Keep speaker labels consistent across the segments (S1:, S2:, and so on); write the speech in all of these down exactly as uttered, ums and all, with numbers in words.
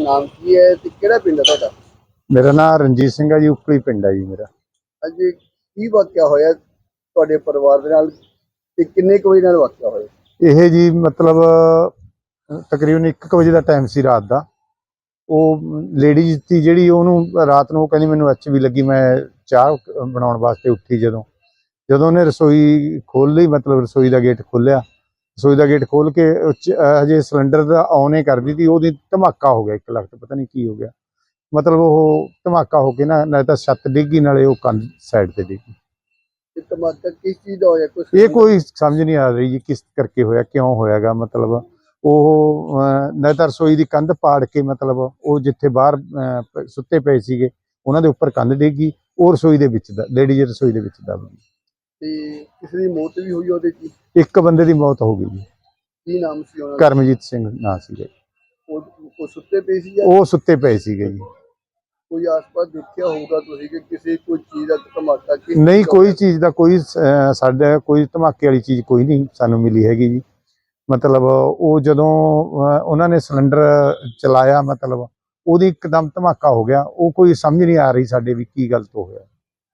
S1: नाम की है ते केड़ा पिंड है तुहाडा?
S2: मेरा नाम रणजीत सिंह है जी, उपली पिंड है जी मेरा।
S1: अज की वाकया होया तुहाडे परिवार दे नाल ते किन्ने क बजे नाल वाकया होया?
S2: ਇਹ ਜੀ ਮਤਲਬ ਤਕਰੀਬਨ ਇੱਕ ਕੁ ਵਜੇ ਦਾ ਟਾਈਮ ਸੀ ਰਾਤ ਦਾ। ਉਹ ਲੇਡੀਜ਼ ਸੀ ਜਿਹੜੀ ਉਹਨੂੰ ਰਾਤ ਨੂੰ ਉਹ ਕਹਿੰਦੀ ਮੈਨੂੰ ਐਚ ਵੀ ਲੱਗੀ, ਮੈਂ ਚਾਹ ਬਣਾਉਣ ਵਾਸਤੇ ਉੱਠੀ ਜਦੋਂ ਜਦੋਂ ਉਹਨੇ ਰਸੋਈ ਖੋਲ੍ਹ ਲਈ, ਮਤਲਬ ਰਸੋਈ ਦਾ ਗੇਟ ਖੋਲ੍ਹਿਆ, ਰਸੋਈ ਦਾ ਗੇਟ ਖੋਲ੍ਹ ਕੇ ਹਜੇ ਸਿਲੰਡਰ ਦਾ ਔਨ ਹੀ ਕਰਦੀ ਸੀ, ਉਹਦੀ ਧਮਾਕਾ ਹੋ ਗਿਆ ਇੱਕ ਲੱਖ, ਪਤਾ ਨਹੀਂ ਕੀ ਹੋ ਗਿਆ। ਮਤਲਬ ਉਹ ਧਮਾਕਾ ਹੋ ਕੇ ਨਾ ਨਾਲੇ ਤਾਂ ਛੱਤ ਡਿੱਗੀ ਨਾਲੇ ਉਹ ਕੰਧ ਸਾਈਡ ਤੇ ਡਿੱਗੀ।
S1: धमाका किस चीज़ का होया कुछ
S2: ਇਹ ਕੋਈ ਸਮਝ ਨਹੀਂ ਆ ਰਹੀ ਜੀ ਕਿਸ ਕਰਕੇ ਹੋਇਆ, ਕਿਉਂ ਹੋਇਆਗਾ। ਮਤਲਬ ਉਹ ਨਾ ਤਾਂ ਰਸੋਈ ਦੀ ਕੰਧ ਪਾੜ ਕੇ, ਮਤਲਬ ਉਹ ਜਿੱਥੇ ਬਾਹਰ ਸੁੱਤੇ ਪਏ ਸੀਗੇ ਉਹਨਾਂ ਦੇ ਉੱਪਰ ਕੰਧ ਡਿੱਗੀ, ਉਹ ਰਸੋਈ ਦੇ ਵਿੱਚ ਦਾ ਲੇਡੀਜ਼ ਰਸੋਈ ਦੇ ਵਿੱਚ ਦਬ ਗਈ
S1: ਤੇ ਕਿਸੇ ਦੀ ਮੌਤ ਵੀ ਹੋਈ ਉਹਦੇ ਚ?
S2: ਇੱਕ ਬੰਦੇ ਦੀ ਮੌਤ ਹੋ ਗਈ ਜੀ।
S1: ਕੀ ਨਾਮ ਸੀ ਉਹਨਾਂ ਦਾ?
S2: ਕਰਮਜੀਤ ਸਿੰਘ ਨਾਂ ਸੀਗਾ।
S1: ਉਹ ਉਹ ਸੁੱਤੇ ਪਏ ਸੀ ਜਾਂ
S2: ਉਹ ਸੁੱਤੇ ਪਏ ਸੀਗੇ ਜੀ।
S1: ਕੋਈ ਆਸ-ਪਾਸ ਦੇਖਿਆ ਹੋਊਗਾ ਤੁਸੀਂ ਕਿ ਕਿਸੇ ਕੋਈ ਚੀਜ਼ ਦਾ ਧਮਾਕਾ ਕਿਸ
S2: ਨਹੀਂ, ਕੋਈ ਚੀਜ਼ ਦਾ ਕੋਈ ਸਾਡਾ ਕੋਈ ਧਮਾਕੇ ਵਾਲੀ ਚੀਜ਼ ਕੋਈ ਨਹੀਂ ਸਾਨੂੰ ਮਿਲੀ ਹੈਗੀ ਜੀ। ਮਤਲਬ ਉਹ ਜਦੋਂ ਉਹਨਾਂ ਨੇ ਸਿਲੰਡਰ ਚਲਾਇਆ, ਮਤਲਬ ਉਹਦੀ ਇੱਕਦਮ ਧਮਾਕਾ ਹੋ ਗਿਆ। ਉਹ ਕੋਈ ਸਮਝ ਨਹੀਂ ਆ ਰਹੀ ਸਾਡੇ ਵੀ ਕੀ ਗਲਤ ਹੋ ਗਿਆ।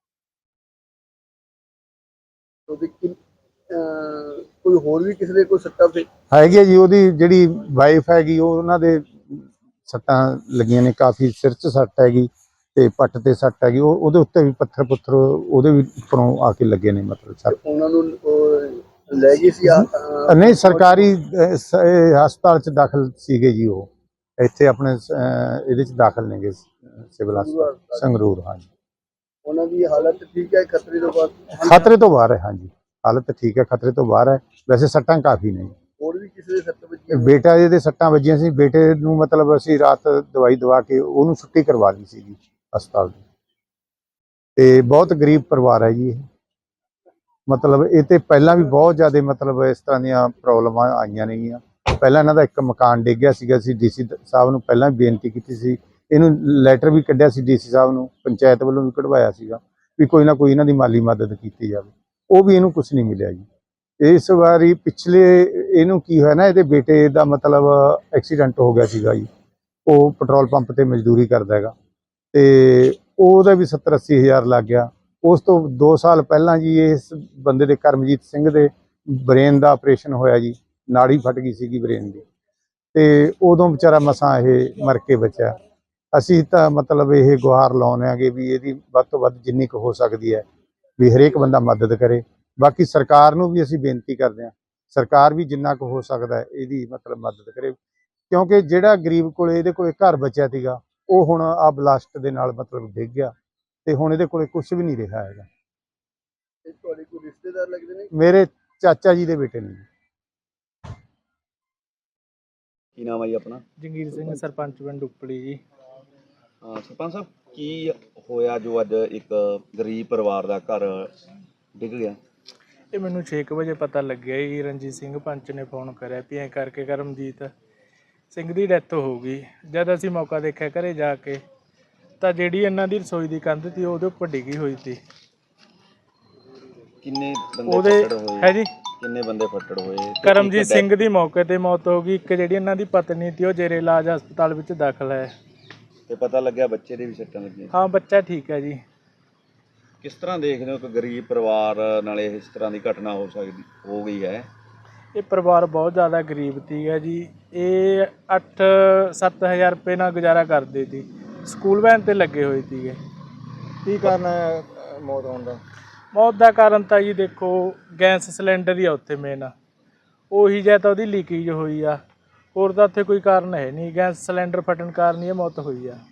S1: ਉਹਦੇ ਕਿ ਕੋਈ ਹੋਰ ਵੀ ਕਿਸੇ ਦੇ ਕੋਈ ਸੱਟਾਂ ਤੇ
S2: ਹੈਗੀ ਜੀ। ਉਹਦੀ ਜਿਹੜੀ ਵਾਈਫ ਹੈਗੀ ਉਹ ਉਹਨਾਂ ਦੇ ਸੱਟਾਂ ਲੱਗੀਆਂ ਨੇ, ਕਾਫੀ ਸਿਰ 'ਚ ਸੱਟ ਹੈਗੀ ਤੇ ਪੱਟ ਤੇ ਸੱਟ ਹੈਗੀ। ਉਹ ਉਹਦੇ ਉੱਤੇ ਵੀ ਪੱਥਰ ਪੁੱਥਰ ਉਹਦੇ ਵੀ ਉੱਪਰੋਂ ਆ ਕੇ ਲੱਗੇ ਨੇ, ਮਤਲਬ ਸੱਟ।
S1: ਉਹਨਾਂ ਨੂੰ ਲੈ ਗਈ ਸੀ?
S2: ਨਹੀਂ, ਸਰਕਾਰੀ ਹਸਪਤਾਲ 'ਚ ਦਾਖਲ ਸੀਗੇ ਜੀ। ਉਹ ਇੱਥੇ ਆਪਣੇ ਇਹਦੇ 'ਚ ਦਾਖਲ ਨੇਗੇ ਸਿਵਲ ਹਸਪਤਾਲ ਸੰਗਰੂਰ। ਹਾਂਜੀ,
S1: ਉਹਨਾਂ ਦੀ ਹਾਲਤ ਠੀਕ ਹੈ? ਖਤਰੇ ਤੋਂ ਬਾਅਦ?
S2: ਖਤਰੇ ਤੋਂ ਬਾਹਰ ਹੈ। ਹਾਂਜੀ, ਹਾਲਤ ਠੀਕ ਹੈ, ਖਤਰੇ ਤੋਂ ਬਾਹਰ ਹੈ। ਵੈਸੇ ਸੱਟਾਂ ਕਾਫੀ ਨੇ।
S1: ਹੋਰ ਵੀ ਕਿਸੇ ਦੇ ਸੱਟ ਵੱਜੀ?
S2: ਬੇਟਾ ਇਹਦੇ ਸੱਟਾਂ ਵੱਜੀਆਂ ਸੀ। ਬੇਟੇ ਨੂੰ ਮਤਲਬ ਅਸੀਂ ਰਾਤ ਦਵਾਈ ਦਵਾ ਕੇ ਉਹਨੂੰ ਛੁੱਟੀ ਕਰਵਾ ਲਈ ਸੀ ਜੀ ਹਸਪਤਾਲ ਦੀ। ਤੇ ਬਹੁਤ ਗਰੀਬ ਪਰਿਵਾਰ ਹੈ ਜੀ ਇਹ। ਮਤਲਬ ਇਹ ਤੇ ਪਹਿਲਾਂ ਵੀ ਬਹੁਤ ਜ਼ਿਆਦਾ ਮਤਲਬ ਇਸ ਤਰ੍ਹਾਂ ਦੀਆਂ ਪ੍ਰੋਬਲਮਾਂ ਆਈਆਂ ਨੇਗੀਆਂ। ਪਹਿਲਾਂ ਇਹਨਾਂ ਦਾ ਇੱਕ ਮਕਾਨ ਡਿੱਗ ਗਿਆ ਸੀਗਾ। ਅਸੀਂ ਡੀ ਸੀ ਸਾਹਿਬ ਨੂੰ ਪਹਿਲਾਂ ਵੀ ਬੇਨਤੀ ਕੀਤੀ ਸੀ, ਇਹਨੂੰ ਲੈਟਰ ਵੀ ਕੱਢਿਆ ਸੀ ਡੀ ਸੀ ਸਾਹਿਬ ਨੂੰ, ਪੰਚਾਇਤ ਵੱਲੋਂ ਵੀ ਕਢਵਾਇਆ ਸੀਗਾ ਵੀ ਕੋਈ ਨਾ ਕੋਈ ਇਹਨਾਂ ਦੀ ਮਾਲੀ ਮਦਦ ਕੀਤੀ ਜਾਵੇ। ਉਹ ਵੀ ਇਹਨੂੰ ਕੁਛ ਨਹੀਂ ਮਿਲਿਆ ਜੀ। ਇਸ ਵਾਰੀ ਪਿਛਲੇ ਇਹਨੂੰ ਕੀ ਹੋਇਆ ਨਾ, ਇਹਦੇ ਬੇਟੇ ਦਾ ਮਤਲਬ ਐਕਸੀਡੈਂਟ ਹੋ ਗਿਆ ਸੀਗਾ ਜੀ। ਉਹ ਪੈਟਰੋਲ ਪੰਪ ਤੇ ਮਜ਼ਦੂਰੀ ਕਰਦਾ ਹੈਗਾ ਤੇ ਉਹਦਾ ਵੀ ਸੱਤਰ ਅੱਸੀ ਹਜ਼ਾਰ ਲੱਗ ਗਿਆ। ਉਸ ਤੋਂ ਦੋ ਸਾਲ ਪਹਿਲਾਂ ਜੀ ਇਸ ਬੰਦੇ ਦੇ ਕਰਮਜੀਤ ਸਿੰਘ ਦੇ ਬ੍ਰੇਨ ਦਾ ਆਪਰੇਸ਼ਨ ਹੋਇਆ ਜੀ। ਨਾੜੀ ਫਟ ਗਈ ਸੀਗੀ ਬ੍ਰੇਨ ਦੀ ਤੇ ਉਦੋਂ ਵਿਚਾਰਾ ਮਸਾਂ ਇਹ ਮਰ ਕੇ ਬਚਿਆ। ਅਸੀਂ ਤਾਂ ਮਤਲਬ ਇਹ ਗੁਹਾਰ ਲਾਉਂਦੇ ਆਂਗੇ ਵੀ ਇਹਦੀ ਵੱਧ ਤੋਂ ਵੱਧ ਜਿੰਨੀ ਕੁ ਹੋ ਸਕਦੀ ਹੈ ਵੀ ਹਰੇਕ ਬੰਦਾ ਮਦਦ ਕਰੇ। ਬਾਕੀ ਸਰਕਾਰ ਨੂੰ ਵੀ ਅਸੀਂ ਬੇਨਤੀ ਕਰਦੇ ਹਾਂ, ਸਰਕਾਰ ਵੀ ਜਿੰਨਾ ਕੁ ਹੋ ਸਕਦਾ ਇਹਦੀ ਮਤਲਬ ਮਦਦ ਕਰੇ, ਕਿਉਂਕਿ ਜਿਹੜਾ ਗਰੀਬ ਕੋਲ ਇਹਦੇ ਕੋਲ ਘਰ ਬਚਿਆ ਸੀਗਾ ਉਹ ਹੁਣ ਆ ਬਲਾਸਟ ਦੇ ਨਾਲ ਮਤਲਬ ਡਿੱਗ ਗਿਆ ਤੇ ਹੁਣ ਇਹਦੇ ਕੋਲ ਕੁਝ ਵੀ ਨਹੀਂ ਰਿਹਾ ਹੈਗਾ।
S1: ਤੁਹਾਡੇ ਕੋਈ ਰਿਸ਼ਤੇਦਾਰ ਲੱਗਦੇ ਨੇ?
S2: ਮੇਰੇ ਚਾਚਾ ਜੀ ਦੇ ਬੇਟੇ ਨੇ।
S3: ਕੀ ਨਾਮ ਹੈ ਜੀ ਆਪਣਾ?
S4: ਜੰਗੀਰ ਸਿੰਘ, ਸਰਪੰਚ ਪਿੰਡ ਉਪਲੀ ਜੀ।
S3: ਹਾਂ ਸਰਪੰਚ ਸਾਹਿਬ, ਕੀ ਹੋਇਆ ਜੋ ਅੱਜ ਇੱਕ ਗਰੀਬ ਪਰਿਵਾਰ ਦਾ ਘਰ ਡਿੱਗ ਗਿਆ?
S4: ਇਹ ਮੈਨੂੰ ਛੇ ਕੁ ਵਜੇ ਪਤਾ ਲੱਗਿਆ ਜੀ। ਰਣਜੀਤ ਸਿੰਘ ਪੰਚ ਨੇ ਫੋਨ ਕਰਿਆ ਵੀ ਐਂ ਕਰਕੇ ਕਰਮਜੀਤ ਸਿੰਘ ਦੀ ਡੈਥ ਹੋ ਗਈ। ਜਦ ਅਸੀਂ ਮੌਕਾ ਦੇਖਿਆ ਘਰੇ ਜਾ ਕੇ ਤਾਂ ਜਿਹੜੀ ਇਹਨਾਂ ਦੀ ਰਸੋਈ ਦੀ ਕੰਧ ਸੀ ਉਹਦੇ ਉੱਪਰ ਡਿੱਗੀ ਹੋਈ ਸੀ।
S3: ਕਿੰਨੇ ਬੰਦੇ
S4: ਉਹਦੇ
S3: ਫੱਟੜ ਹੋਏ?
S4: ਹੈ ਜੀ,
S3: ਕਿੰਨੇ ਬੰਦੇ ਫੱਟੜ ਹੋਏ?
S4: ਕਰਮਜੀਤ ਸਿੰਘ ਦੀ ਮੌਕੇ ਤੇ ਮੌਤ ਹੋ ਗਈ। ਇੱਕ ਜਿਹੜੀ ਇਹਨਾਂ ਦੀ ਪਤਨੀ ਸੀ ਉਹ ਜੇਰੇ ਇਲਾਜ ਹਸਪਤਾਲ ਵਿੱਚ ਦਾਖਲ ਹੈ।
S3: ਤੇ ਪਤਾ ਲੱਗਿਆ ਬੱਚੇ ਦੇ ਵੀ ਸੱਟਾਂ ਲੱਗੀਆਂ?
S4: ਹਾਂ, ਬੱਚਾ ਠੀਕ ਹੈ ਜੀ।
S3: ਕਿਸ ਤਰ੍ਹਾਂ ਦੇਖਦੇ ਹੋ ਕਿ ਗਰੀਬ ਪਰਿਵਾਰ ਨਾਲ ਇਸ ਤਰ੍ਹਾਂ ਦੀ ਘਟਨਾ ਹੋ ਸਕਦੀ ਹੋ ਗਈ ਹੈ?
S4: ਇਹ ਪਰਿਵਾਰ ਬਹੁਤ ਜ਼ਿਆਦਾ ਗਰੀਬ ਸੀਗਾ ਜੀ। ਇਹ ਅੱਠ ਸੱਤ ਹਜ਼ਾਰ ਰੁਪਏ ਨਾਲ ਗੁਜ਼ਾਰਾ ਕਰਦੇ ਸੀ। ਸਕੂਲ ਵੈਨ ਤੇ ਲੱਗੇ ਹੋਏ ਸੀਗੇ।
S1: ਕੀ ਕਾਰਨ ਹੈ ਮੌਤ ਹੋਣ ਦਾ?
S4: ਮੌਤ ਦਾ ਕਾਰਨ ਤਾਂ ਜੀ ਦੇਖੋ ਗੈਸ ਸਿਲੰਡਰ ਹੀ ਆ ਉੱਥੇ ਮੇਨ। ਉਹੀ ਜਾਂ ਤਾਂ ਉਹਦੀ ਲੀਕੇਜ ਹੋਈ ਆ, ਹੋਰ ਤਾਂ ਉੱਥੇ ਕੋਈ ਕਾਰਨ ਹੈ ਨਹੀਂ। ਗੈਸ ਸਿਲੰਡਰ ਫਟਣ ਕਾਰਨ ਹੀ ਇਹ ਮੌਤ ਹੋਈ ਆ।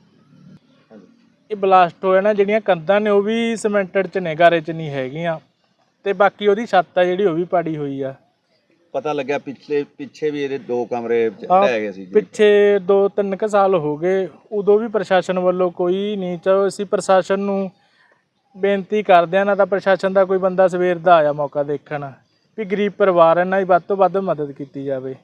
S4: ਇਹ ਬਲਾਸਟ ਹੋਇਆ ਨਾ, ਜਿਹੜੀਆਂ ਕੰਧਾਂ ਨੇ ਉਹ ਵੀ ਸੀਮੈਂਟਡ 'ਚ ਨੇ, ਗਾਰੇ 'ਚ ਨਹੀਂ ਹੈਗੀਆਂ। ਤੇ ਬਾਕੀ ਉਹਦੀ ਛੱਤ ਆ ਜਿਹੜੀ ਉਹ ਵੀ ਪਾੜੀ ਹੋਈ ਆ।
S3: ਪਤਾ ਲੱਗਿਆ ਪਿਛਲੇ ਪਿੱਛੇ ਵੀ ਇਹਦੇ ਦੋ ਕਮਰੇ ਢਹਿ ਗਏ ਸੀ ਜੀ।
S4: ਪਿੱਛੇ ਦੋ ਤਿੰਨ ਕੁ ਸਾਲ ਹੋ ਗਏ, ਉਦੋਂ ਵੀ ਪ੍ਰਸ਼ਾਸਨ ਵੱਲੋਂ ਕੋਈ ਨਹੀਂ। ਚਲੋ ਅਸੀਂ ਪ੍ਰਸ਼ਾਸਨ ਨੂੰ ਬੇਨਤੀ ਕਰਦੇ ਹਾਂ, ਨਾ ਤਾਂ ਪ੍ਰਸ਼ਾਸਨ ਦਾ ਕੋਈ ਬੰਦਾ ਸਵੇਰ ਦਾ ਆਇਆ ਮੌਕਾ ਦੇਖਣ ਵੀ ਗਰੀਬ ਪਰਿਵਾਰ ਇਹਨਾਂ ਦੀ ਵੱਧ ਤੋਂ ਵੱਧ ਮਦਦ ਕੀਤੀ ਜਾਵੇ।